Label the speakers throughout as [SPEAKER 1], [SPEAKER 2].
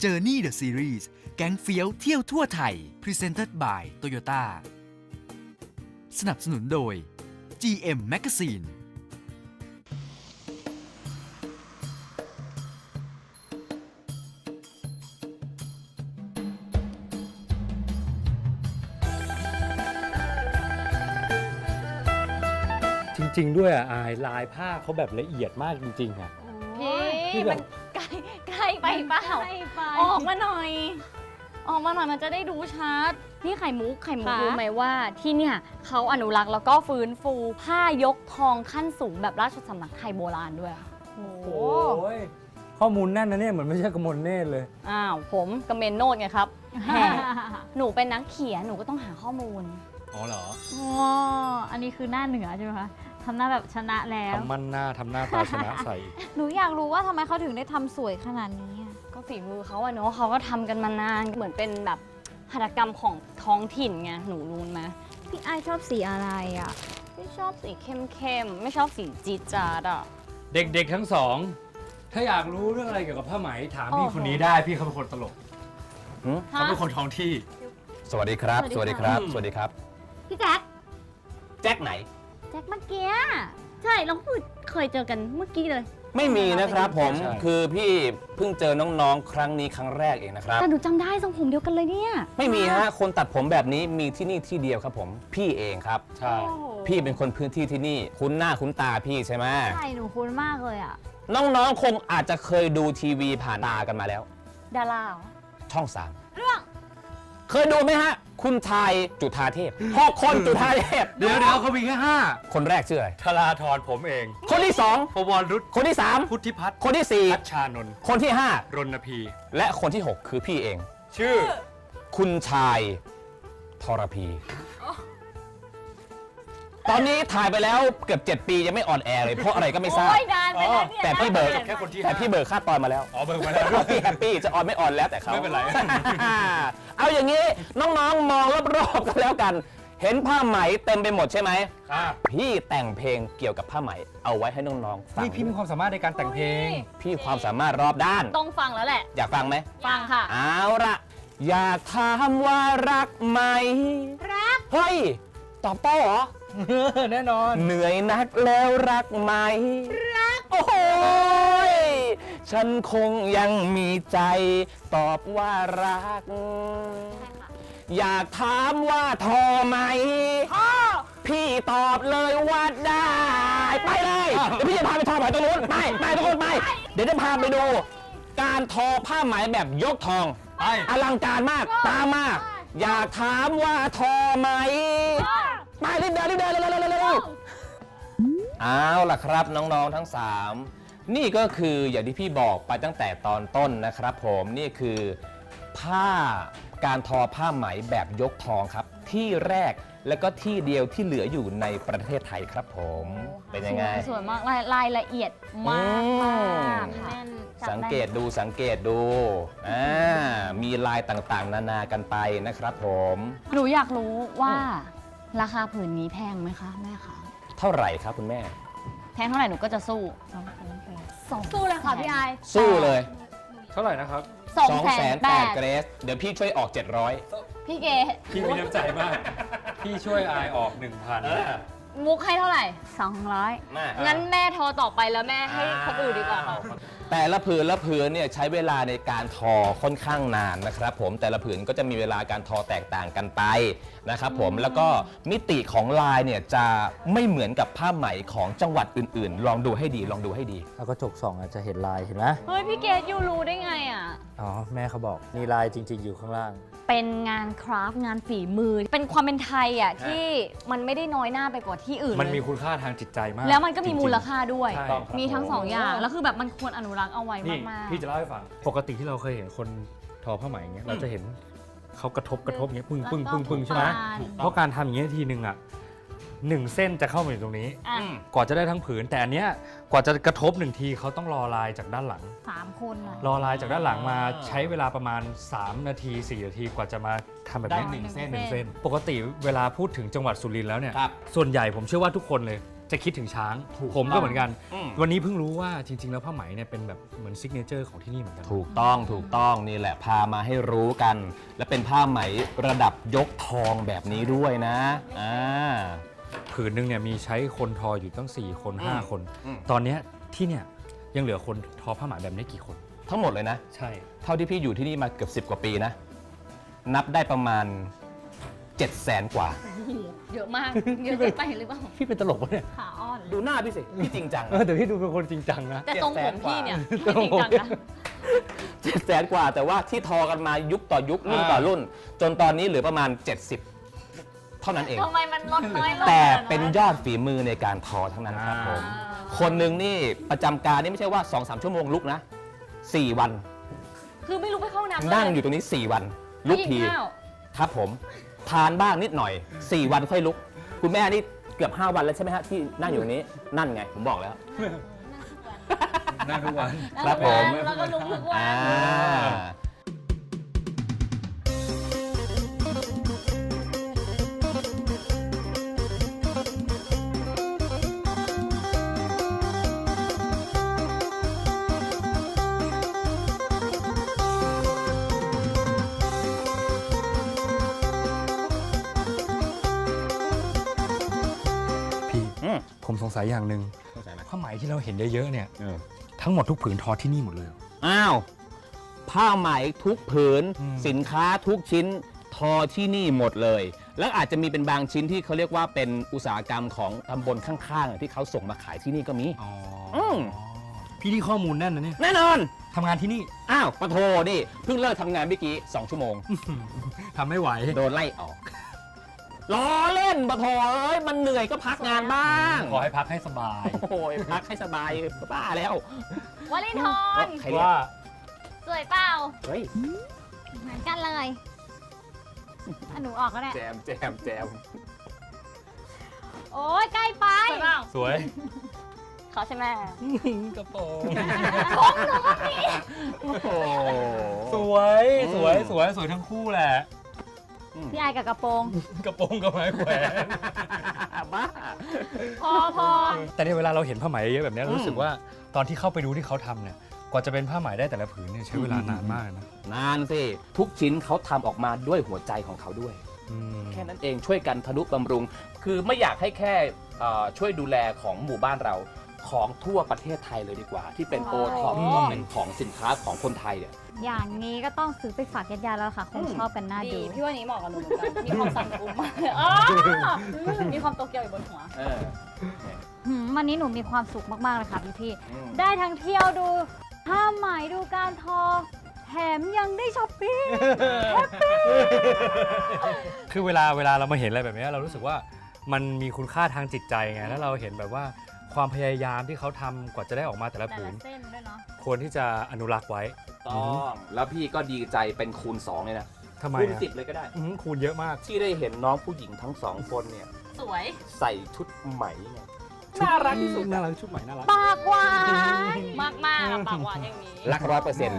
[SPEAKER 1] Journey the Series แก๊งเฟี้ยวเที่ยวทั่วไทย Presented by Toyota สนับสนุนโดย GM Magazine
[SPEAKER 2] จริงๆด้วยอายลายผ้าเขาแบบละเอียดมากจริงๆอ่ะ
[SPEAKER 3] พี่มันใกล้ไปเปล่าออกมาหน่อย ออกมาหน่อยมันจะได้ดูชัดนี่ไข่มุกรู้ไหมว่าที่เนี่ยเขาอนุรักษ์แล้วก็ฟื้นฟูผ้ายกทองขั้นสูงแบบราชสำนักไทยโบราณด้วยค่ะโอ้โห
[SPEAKER 2] โอ้ยข้อมูลแน่นนะเนี่ยเหมือนไม่ใช่กมลเนตรเลย
[SPEAKER 3] อ้าวผมกระเมนโนดไงครับแหมหนูเป็นนักเขียนหนูก็ต้องหาข้อมูล
[SPEAKER 2] อ๋อเหรอ
[SPEAKER 4] อ๋ออันนี้คือหน้าเหนือใช่ไหมคะทำหน้าแบบชนะแล้ว
[SPEAKER 2] ทำมั่นหน้าทำหน้าตาชนะใส่
[SPEAKER 4] หนูอยากรู้ว่าทำไมเขาถึงได้ทำสวยขนาดนี้อะ
[SPEAKER 3] ก็ฝีมือเขาอะเนาะเขาก็ทำกันมานานเหมือนเป็นแบบหัตถกรรมของท้องถิ่นไงหนูรู้ไหม
[SPEAKER 4] พี่ไอชอบสีอะไรอ่ะ
[SPEAKER 3] ไม่ชอบสีเข้มๆไม่ชอบสีจี๊ดจ๊าดอะ
[SPEAKER 2] เด็กๆทั้งสอง ถ้าอยากรู้เรื่องอะไรเกี่ยวกับผ้าไหมถามพี่คนนี้ได้พี่เขาเป็นคนตลกเขาเป็นคนท้องที่
[SPEAKER 5] สวัสดีครับ สวัสดีครับ สวัสดีครับ
[SPEAKER 4] พี่แจ็ค
[SPEAKER 5] แจ็คไหน
[SPEAKER 4] แจ็คเมื่อกี้ใช่เราเคยเจอกันเมื่อกี้เลย
[SPEAKER 5] ไม่มีนะครับผม
[SPEAKER 2] ใช่
[SPEAKER 5] คือพี่เพิ่งเจอน้องๆ ครั้งนี้ครั้งแรกเองนะครับ
[SPEAKER 3] แต่หนูจำได้ทรงผมเดียวกันเลยเนี่ย
[SPEAKER 5] ไม่มีฮะ คนตัดผมแบบนี้มีที่นี่ที่เดียวครับผม พี่เองครับ
[SPEAKER 2] ใช่
[SPEAKER 5] พี่เป็นคนพื้นที่ที่นี่ คุ้นหน้าคุ้นตาพี่ใช่ไหม
[SPEAKER 4] ใช่หนูคุ้นมากเลยอ่ะ
[SPEAKER 5] น้องๆ คงอาจจะเคยดูทีวีผ่านตากันมาแล้ว
[SPEAKER 3] ดาราเหรอ
[SPEAKER 5] ช่อง3เคยดูไหมฮะ คุณชายจุฑาเทพพ่อคนจุฑาเทพ
[SPEAKER 2] เดี๋ยวเขามีแค่5
[SPEAKER 5] คนแรกชื่ออะไร
[SPEAKER 2] ธราธรผมเอง
[SPEAKER 5] คนที่
[SPEAKER 2] ปวรรุษ
[SPEAKER 5] 2 คนที่
[SPEAKER 2] พุทธิพัฒน์
[SPEAKER 5] 3 คนที่
[SPEAKER 2] พัชชานนท์
[SPEAKER 5] 4 คนที่
[SPEAKER 2] รณพี
[SPEAKER 5] 5 และคนที่ 6 คือพี่เอง
[SPEAKER 2] ชื่อ
[SPEAKER 5] คุณชายทรพี ตอนนี้ถ่ายไปแล้วเกือบ7 ปียังไม่ออนแอร์เลยเพราะอะไรก็ไม่ทราบ
[SPEAKER 3] โอ้ยนานไปแล้วเนี่ย
[SPEAKER 5] แต่พี่เบิร์
[SPEAKER 2] แค่คนที่
[SPEAKER 5] แต่พี่เบิร์ค่าตอนมาแล้ว
[SPEAKER 2] อ๋อเบิกมาแล้วด้วย
[SPEAKER 5] พี่แฮปปี้จะออนไม่ออนแล้วแต่เขา
[SPEAKER 2] ไม่เป็นไร
[SPEAKER 5] เอาอย่างนี้น้องๆมองรอบๆกันแล้วกัน เห็นผ้าไหมเต็มไปหมดใช่ไหม
[SPEAKER 2] ครับ
[SPEAKER 5] พี่แต่งเพลงเกี่ยวกับผ้าไหมเอาไว้ให้น้องๆฟัง
[SPEAKER 2] นี่พี่มีความสามารถในการแต่งเพลง
[SPEAKER 5] พี่ความสามารถรอบด้าน
[SPEAKER 3] ต้องฟังแล้วแหละ
[SPEAKER 5] อยากฟังไหม
[SPEAKER 3] ฟังค่ะ
[SPEAKER 5] เอาละอยากถามว่ารักไหม
[SPEAKER 4] รัก
[SPEAKER 5] เฮ้ยตอบโต้เหรอ
[SPEAKER 2] แน่นอน
[SPEAKER 5] เหนื่อยนักแล้วรักไหม รัก โอ้โหยฉันคงยังมีใจ ตอบว่ารัก อยากถามว่าทอไหมพี่ตอบเลยว่าได้ ไปเลย เดี๋ยวพี่จะพาไปทอไหมตรงนู้นไปทุกคนไป เดี๋ยวจะพาไปดู การทอผ้าไหมแบบยกทอง
[SPEAKER 2] ไป
[SPEAKER 5] อลังการมาก ตามมา อยากถามว่าทอไหม ไปรีบเดินเร็วเอาล่ะครับน้องๆทั้ง 3 นี่ก็คืออย่างที่พี่บอกไปตั้งแต่ตอนต้นนะครับผมนี่คือผ้าการทอผ้าไหมแบบยกทองครับ ที่แรกและก็ที่เดียวที่เหลืออยู่ในประเทศไทยครับผมเป็นยังไง
[SPEAKER 3] สวยมากรายละเอียดมากมากค่ะ
[SPEAKER 4] แน่นจับ
[SPEAKER 5] สัง
[SPEAKER 4] ได้
[SPEAKER 5] เกตดูมีลายต่างๆ นานากันไปนะครับผม
[SPEAKER 3] หนูอยากรู้ว่าราคาผืนนี้แพงไหมคะแม่คะ
[SPEAKER 5] เท่าไหร่ครับคุณแม่
[SPEAKER 3] แพงเท่าไหร่หนูก็จะสู้
[SPEAKER 4] สู้เลยค่ะพี่ไอ
[SPEAKER 5] สู้เลย
[SPEAKER 2] เท่าไหร่นะครับ
[SPEAKER 5] 208,000เกรสเดี๋ยวพี่ช่วยออก 700
[SPEAKER 3] พี่เก
[SPEAKER 2] พี่มีน้ำใจมาก พี่ช่วยอายออก 1,000
[SPEAKER 3] มุกให้เท่าไหร่
[SPEAKER 4] 200
[SPEAKER 5] มา
[SPEAKER 3] งั้นแม่โทรต่อไปแล้วแม่ให้คนอื่นดีกว่าค่ะ
[SPEAKER 5] แต่ละผืนเนี่ยใช้เวลาในการทอค่อนข้างนานนะครับผมแต่ละผืนก็จะมีเวลาการทอแตกต่างกันไปนะครับผมแล้วก็มิติของลายเนี่ยจะไม่เหมือนกับผ้าไหมของจังหวัดอื่นๆ ลองดูให้ดี
[SPEAKER 2] เอากระจกส่องอาจจะเห็นลายเห็นไหม
[SPEAKER 3] เฮ้ยพี่เกดยูรู้ได้ไงอ่ะ
[SPEAKER 2] อ๋อแม่เขาบอกมีลายจริงๆอยู่ข้างล่าง
[SPEAKER 3] เป็นงานคราฟต์งานฝีมือ เป็นความเป็นไทยอ่ะที่มันไม่ได้น้อยหน้าไปกว่าที่อื่น
[SPEAKER 2] มันมี
[SPEAKER 3] เลย
[SPEAKER 2] คุณค่าทางจิตใจมาก
[SPEAKER 3] แล้วมันก็มี
[SPEAKER 2] จริงๆ
[SPEAKER 3] มูลค่าด้วย
[SPEAKER 2] ใช่
[SPEAKER 3] มีทั้งสองอย่าง แล้วคือแบบมันควรอนุรักษ์เอาไว้
[SPEAKER 2] นี่
[SPEAKER 3] มาก
[SPEAKER 2] พี่จะเล่าให้ฟัง ปกติที่เราเคยเห็นคนทอผ้าไหมอย่างเงี้ยเราจะเห็นเขากระทบอย่างเงี้ยปึ้ง
[SPEAKER 4] แล้ว
[SPEAKER 2] ปึ้ง
[SPEAKER 4] ก็
[SPEAKER 2] ปึ้งปึ้งใช่ไหม
[SPEAKER 4] ปาน
[SPEAKER 2] เพราะการทำอย่างเงี้ยทีนึงอ่ะ1 เส้นจะเข้ามาอยู่ตรงนี้
[SPEAKER 3] ๆอ่ะ
[SPEAKER 2] กว่าจะได้ทั้งผืน แต่อันเนี้ยกว่าจะกระทบ1 ทีเขาต้องรอลายจากด้านหลัง
[SPEAKER 4] 3 คนอะ
[SPEAKER 2] รอลายจากด้านหลังมาใช้เวลาประมาณ3 นาที 4 นาทีกว่าจะมาทำแบบนี้
[SPEAKER 5] ได้หนึ่งเส้น
[SPEAKER 2] หนึ่งเส้น ปกติเวลาพูดถึงจังหวัดสุรินทร์แล้วเนี่ย
[SPEAKER 5] ครับ
[SPEAKER 2] ส่วนใหญ่ผมเชื่อว่าทุกคนเลยจะคิดถึงช้าง ผมก็เหมือนกัน
[SPEAKER 5] อืม
[SPEAKER 2] วันนี้เพิ่งรู้ว่าจริง ๆ แล้วผ้าไหมเนี่ยเป็นแบบเหมือนซิกเนเจอร์ของที่นี่เหมือนกัน
[SPEAKER 5] ถูกต้องนี่แหละพามาให้รู้กัน และเป็นผ้าไหมระดับยกทองแบบนี้ด้วยนะ
[SPEAKER 2] ผืนหนึงเนี่ยมีใช้คนทออยู่ตั้ง4 คน
[SPEAKER 5] อืม
[SPEAKER 2] 5 คน
[SPEAKER 5] อืม
[SPEAKER 2] ตอนเนี้ยที่เนี่ยยังเหลือคนทอผ้าไหมแบบนี้กี่คน
[SPEAKER 5] ทั้งหมดเลยนะ
[SPEAKER 2] ใช่
[SPEAKER 5] เท่าที่พี่อยู่ที่นี่มาเกือบ10 กว่าปีนะ นับได้ประมาณ 700,000 กว่า
[SPEAKER 3] เยอะมาก เยอะเกินไปหรือเปล่า
[SPEAKER 2] พี่เป็นตลกปะเนี่ย
[SPEAKER 4] ขาอ่อน
[SPEAKER 5] ดูหน้าพี่สิ พี่จริงจัง
[SPEAKER 2] แต่พี่ดูเป็นคนจริงจังนะ
[SPEAKER 3] แต่ทรงผมพี่เนี่ยไม่จริงจังนะ
[SPEAKER 5] 700,000 กว่า แต่ว่าที่ทอกันมายุคต่อยุครุ่นต่อรุ่น จนตอนนี้เหลือประมาณ 70 เท่านั้นเอง
[SPEAKER 3] ทำไมมันลดน้อยลง
[SPEAKER 5] แต่เป็นยอดฝีมือในการทอทั้งนั้นครับผม คนหนึ่งนี่ประจำการนี่ไม่ใช่ว่า 2-3 ชั่วโมงลุกนะ 4 วัน
[SPEAKER 3] คือไม่รู้ไปเข้าน้ำ
[SPEAKER 5] นั่งอยู่ตรงนี้ 4 วัน ลุกที
[SPEAKER 3] ไม่กินข้าว
[SPEAKER 5] ครับผม ทานบ้างนิดหน่อย 4 วันค่อยลุก คุณแม่นี่เกือบ 5 วันแล้วใช่ไหมฮะที่นั่งอยู่ตรงนี้ นั่นไง ผมบอกแล้ว
[SPEAKER 2] นั่งทุกวัน
[SPEAKER 5] ครับผม
[SPEAKER 3] แล้วก็ลุกทุกวัน
[SPEAKER 5] อ่า
[SPEAKER 2] พี่
[SPEAKER 5] อืม
[SPEAKER 2] ผมสงสัยอย่างหนึ่ง
[SPEAKER 5] เข้าใจไหม
[SPEAKER 2] ผ้าไหมที่เราเห็นเยอะๆเนี่ยทั้งหมดทุกผืนทอที่นี่หมดเลยเหรอ
[SPEAKER 5] อ้าว ผ้าไหมทุกผืน
[SPEAKER 2] อืม
[SPEAKER 5] สินค้าทุกชิ้นทอที่นี่หมดเลย แล้วอาจจะมีเป็นบางชิ้นที่เขาเรียกว่าเป็นอุตสาหกรรมของตำบลข้างๆที่เขาส่งมาขายที่นี่ก็มี
[SPEAKER 2] อ๋อ
[SPEAKER 5] ม
[SPEAKER 2] พี่ที่ข้อมูลแน่นนะเนี่ย
[SPEAKER 5] แน่นอน
[SPEAKER 2] ทำงานที่นี่
[SPEAKER 5] อ้าวปะโทนี่เพิ่งเลิกทำงานเมื่อกี้ 2 ชั่วโมง
[SPEAKER 2] ทำไม่ไหว
[SPEAKER 5] โดนไล่ออกล้อเล่นปะโทเอ้ยมันเหนื่อยก็พักงานบ้าง
[SPEAKER 2] ขอให้พักให้สบาย
[SPEAKER 5] โอ้ยพักให้สบายบ้าแล้ว
[SPEAKER 3] วลินทร
[SPEAKER 5] ใครเรียก
[SPEAKER 2] ว่า
[SPEAKER 3] สวยเปล่า
[SPEAKER 5] เฮ้ย
[SPEAKER 4] เหมือนกันเลยอ่ะหนูออกก็ได้
[SPEAKER 5] แจม
[SPEAKER 4] โอ้ยใกล้ไป
[SPEAKER 3] สวยเปล่า
[SPEAKER 2] สวย
[SPEAKER 3] เขาใช่ไหม
[SPEAKER 2] กระโปรง
[SPEAKER 5] โอ้โห
[SPEAKER 2] สวยสวยสวยสวยทั้งคู่แหละ
[SPEAKER 4] พี่ไอกับกระโปรง
[SPEAKER 2] กระโปรงกับไม้แขวน
[SPEAKER 5] บ้า
[SPEAKER 3] พอ
[SPEAKER 2] แต่ในเวลาเราเห็นผ้าไหมเยอะแบบเนี้ย
[SPEAKER 5] อืม
[SPEAKER 2] รู้สึกว่าตอนที่เข้าไปดูที่เขาทำเนี่ยกว่าจะเป็นผ้าไหมได้แต่ละผืนเนี่ยใช้เวลานานมากนะ
[SPEAKER 5] นานสิ ทุกชิ้นเขาทำออกมาด้วยหัวใจของเขาด้วย
[SPEAKER 2] อืม
[SPEAKER 5] แค่นั้นเองช่วยกันทนุบำรุง คือไม่อยากให้แค่ช่วยดูแลของหมู่บ้านเราของทั่วประเทศไทยเลยดีกว่า ที่เป็นโอท็อปเป็นของสินค้าของคนไทยเนี่ย
[SPEAKER 4] อย่างนี้ก็ต้องซื้อไปฝากญาติๆแล้วค่ะคงชอบกันน่า
[SPEAKER 3] ดี
[SPEAKER 4] ดู
[SPEAKER 3] พี่ว่านี้เหมาะกับหนูเหมือนกันมีความสั่นกุ้มมากมีความโตเกียวอยู่บนหัว
[SPEAKER 5] เออ
[SPEAKER 4] วันนี้หนูมีความสุขมากๆเลยค่ะพี่
[SPEAKER 5] อืม
[SPEAKER 4] ๆได้ทั้งเที่ยวดูผ้าไหมดูการทอ แถมยังได้ช้อปปิ้ง
[SPEAKER 2] คือเวลาเรามาเห็นอะไรแบบเนี้ยเรารู้สึกว่ามันมีคุณค่าทางจิตใจไงแล้วเราเห็นแบบว่าความพยายามที่เขาทำกว่าจะได้ออกมาแต่ละ
[SPEAKER 4] แต่
[SPEAKER 2] ผื
[SPEAKER 4] ละ
[SPEAKER 2] น
[SPEAKER 4] เส้นด้วยเนาะ
[SPEAKER 2] ควรที่จะอนุรักษ์ไว้
[SPEAKER 5] ต้องแล้วพี่ก็ดีใจเป็นคูณ 2 เลยนะ
[SPEAKER 2] ทำไม
[SPEAKER 5] คูณ
[SPEAKER 2] อะ
[SPEAKER 5] 10 เลยก็ได้
[SPEAKER 2] คูณเยอะมาก
[SPEAKER 5] ที่ได้เห็นน้องผู้หญิงทั้งสองคนเนี่ย
[SPEAKER 3] สวย
[SPEAKER 5] ใส่ชุดไหมไงน่ารักที่สุด
[SPEAKER 2] น่ารักชุดใหม่น่ารัก
[SPEAKER 4] ปากหวาน
[SPEAKER 3] มากมากปากหวานอย่างนี้
[SPEAKER 5] รัก100%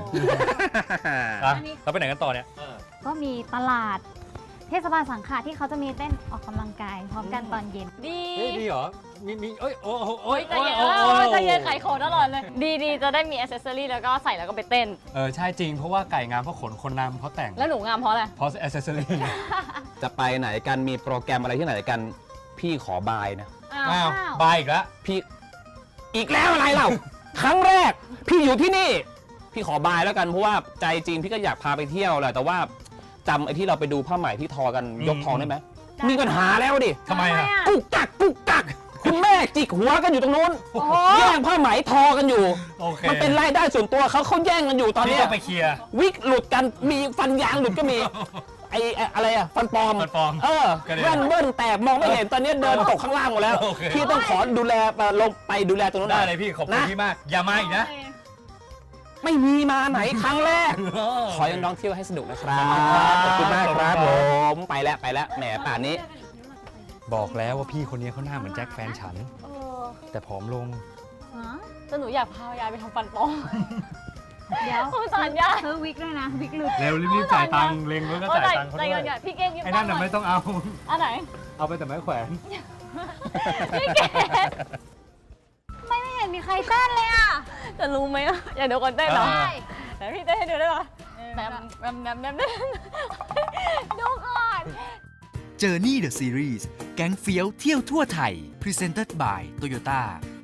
[SPEAKER 2] เราไปไหนกันต่อเนี่ย
[SPEAKER 4] ก็มีตลาด เทศบาลสังขะที่เขาจะมีเต้นออกกำลังกายพร้อมกันตอนเย็น
[SPEAKER 3] ดี
[SPEAKER 2] เฮ้ยดีเหรอ มีเอ้ย โอ้โหโอ้ย
[SPEAKER 3] ใจเย็นใจเย็นขายของตลอดเลย ดีจะได้มีอ c เซสซอรี่แล้วก็ใส่แล้วก็ไปเต้น
[SPEAKER 2] ใช่จริง เพราะว่าไก่งามเพราะขนคนนำเพราะแต่ง
[SPEAKER 3] แล้วหนูงามเพราะอะไร
[SPEAKER 2] เพราะอ c เซสซอรี่
[SPEAKER 5] จะไปไหนกันมีโปรแกรมอะไรที่ไหนกัน พี่ขอบายนะ
[SPEAKER 2] อ้าว
[SPEAKER 4] อ้าว
[SPEAKER 2] บายอีกแล้ว
[SPEAKER 5] พี่อีกแล้วอะไรเล่า ครั้งแรก พี่อยู่ที่นี่ พี่ขอบายแล้วกันเพราะว่าใจจริงพี่ก็อยากพาไปเที่ยวแหละแต่ว่าจำไอ้ที่เราไปดูผ้าไหมที่ทอกันยกทองได้ไหมมีปัญหาแล้วดิ
[SPEAKER 2] ทำไมอะ
[SPEAKER 5] กุกกักกุกกักคุณแม่จิกหัวกันอยู่ตรงนู้นแย่งผ้าไหมทอกันอยู่
[SPEAKER 2] โอเค
[SPEAKER 5] มันเป็นรายได้ส่วนตัวเขาแย่งกันอยู่ตอน
[SPEAKER 2] พี่
[SPEAKER 5] เนี้ย
[SPEAKER 2] ต้องไปเคลียร์
[SPEAKER 5] วิกหลุดกันมีฟันยางหลุดก็มีไอ้อะไรอะฟันปลอม
[SPEAKER 2] ฟันปลอม กระเด็น
[SPEAKER 5] แว่นเบิ้ลแตกมองไม่เห็นตอนนี้เดินตกข้างล่างหมดแล้ว
[SPEAKER 2] โอเค
[SPEAKER 5] พี่ต้องขอดูแลลงไปดูแลตรงนู้นห
[SPEAKER 2] ได้
[SPEAKER 5] น่อย
[SPEAKER 2] เลยพี่ ขอบคุณ
[SPEAKER 5] นะ
[SPEAKER 2] พี่มาก อย่ามาอีกนะ
[SPEAKER 5] ไม่มีมาไหนครั้งแรก ขอให้น้องๆเที่ยวให้สนุกนะครับ ขอบคุณมากครับผมไปแล้วแหมป่านนี้
[SPEAKER 2] บอกแล้วว่าพี่คนนี้เขาหน้าเหมือนแจ็คแฟนฉัน แต่ผอมลง
[SPEAKER 3] แต่หนูอยากพายายไปทำฟันปลอม
[SPEAKER 4] เดี๋ยว
[SPEAKER 3] สงสารยาย
[SPEAKER 4] ซื้อวิกด้วยนะ วิกหลุด
[SPEAKER 2] เร็วรีบๆจ่ายตังค์เล็งไว้ก็จ่ายตังค์เขา
[SPEAKER 3] ใจ
[SPEAKER 2] ด้วย
[SPEAKER 3] เย็นๆพี่เก่งยิ้ม
[SPEAKER 2] ไอ้นั่นน่ะไม่ต้องเอา
[SPEAKER 3] อันไหน
[SPEAKER 2] เอาไปแต่ไม้แขวน
[SPEAKER 3] พี่เกด
[SPEAKER 4] ไม่เห็นมีใครเต้นเลยอ่ะ
[SPEAKER 3] จะรู้ไหมอะอยากดูคนเต้นเหรอ
[SPEAKER 5] อ่า
[SPEAKER 3] แต่พี่เต้นให้ดูได้ปะแบบดูก่อน
[SPEAKER 1] Journey the Series แก๊งเฟี้ยวเที่ยวทั่วไทย Presented by Toyota